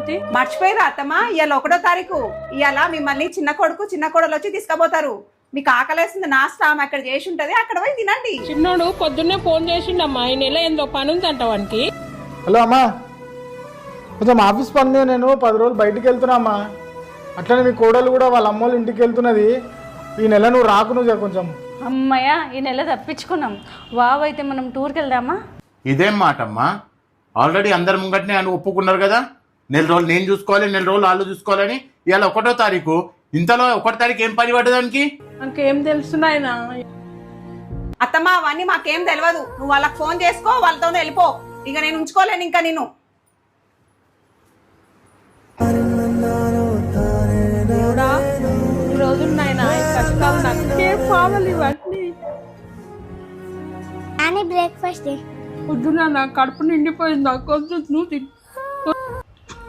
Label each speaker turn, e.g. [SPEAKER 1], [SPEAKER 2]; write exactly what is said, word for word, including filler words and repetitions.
[SPEAKER 1] పోతే.
[SPEAKER 2] మర్చిపోయిరా అత్తమ్మా, ఇవాళ ఒకటో తారీఖు. ఇవాళ మిమ్మల్ని చిన్న కొడుకు చిన్న కోడలు వచ్చి తీసుకుపోతారు. మీకు ఆకలేస్తుంది, నాస్తా ఆమె అక్కడ చేసి ఉంటది, అక్కడ పోయి తినండి.
[SPEAKER 1] చిన్నోడు పొద్దున్నే ఫోన్ చేసిండమ్మా, ఈ నెల ఏందో పని ఉందంట వానికి.
[SPEAKER 3] హలో అమ్మా, కొంచెం ఆఫీస్ పని, నేను పది రోజులు బయటికి వెళ్తున్నా అమ్మా. అట్లనే మీ కోడలు కూడా వాళ్ళ అమ్మోళ్ళ ఇంటికి వెళ్తున్నది. ఈ నెల నువ్వు రాకు, నువ్వు కొంచెం.
[SPEAKER 4] అమ్మయ్య, ఈ నెల తప్పించుకున్నాం. వావ్, అయితే మనం టూర్కి వెళ్దామా?
[SPEAKER 5] ఇదేం మాట అమ్మా, ఆల్రెడీ అందరి ముంగట్నే అని ఒప్పుకున్నారు కదా. నెల రోజులు నేను చూసుకోవాలి, నెల రోజులు వాళ్ళు చూసుకోవాలని. ఇవాళ ఒకటో తారీఖు, ఇంతలో ఒకటో తారీఖు ఏం పని పడ్డదానికి?
[SPEAKER 1] నాకేం తెలుస్తున్నాయన.
[SPEAKER 2] అత్తమ్మా అవన్నీ మాకేం తెలియదు. నువ్వు వాళ్ళకి ఫోన్ చేసుకో, వాళ్ళతోనే వెళ్ళిపో. ఇక నేను ఉంచుకోలేను ఇంకా నేను.
[SPEAKER 1] దేవుడా, ఈ రోజులు నాయన కష్టాలు నాకేం కావాలి ఇవన్నీ.
[SPEAKER 6] బ్రేక్ఫాస్ట్
[SPEAKER 1] పొద్దున నా కడుపు నిండిపోయింది, కొంచెం నువ్వు తిను.